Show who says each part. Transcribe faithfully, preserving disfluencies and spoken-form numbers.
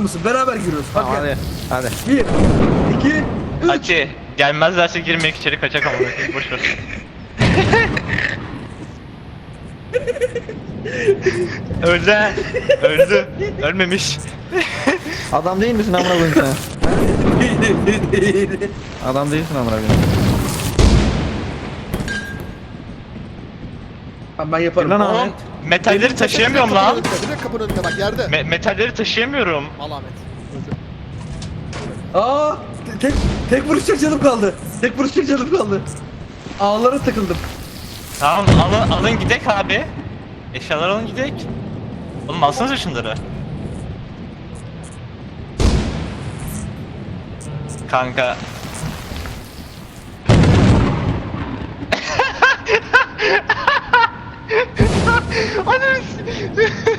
Speaker 1: mısın? Beraber giriyoruz.
Speaker 2: Tamam
Speaker 1: Bak gel.
Speaker 2: hadi. Hadi.
Speaker 1: Bir, iki, üç.
Speaker 3: Hadi gelmezlerse girmeyek içeri kaçak ama boş ver. Öldü. ha. Öldü. Ölmemiş.
Speaker 2: Adam değil misin amına koyayım sen? Adam değilsin amına koyayım.
Speaker 1: Tamam ben yaparım.
Speaker 2: Lan
Speaker 3: Oğlum
Speaker 2: Ahmet.
Speaker 3: metalleri taşıyamıyorum
Speaker 4: Kapının
Speaker 3: lan.
Speaker 4: önünde, direkt kapının önünde bak yerde.
Speaker 3: Me- metalleri taşıyamıyorum.
Speaker 4: Al Ahmet. Öldü.
Speaker 1: Aa, tek tek vuruşacak canım kaldı. Tek vuruşacak canım kaldı. Ağlara takıldım.
Speaker 3: Tamam alın, alın gidek abi. Eşyalar alın gidek. Oğlum alsanıza şunları. Kanka. Ananı s-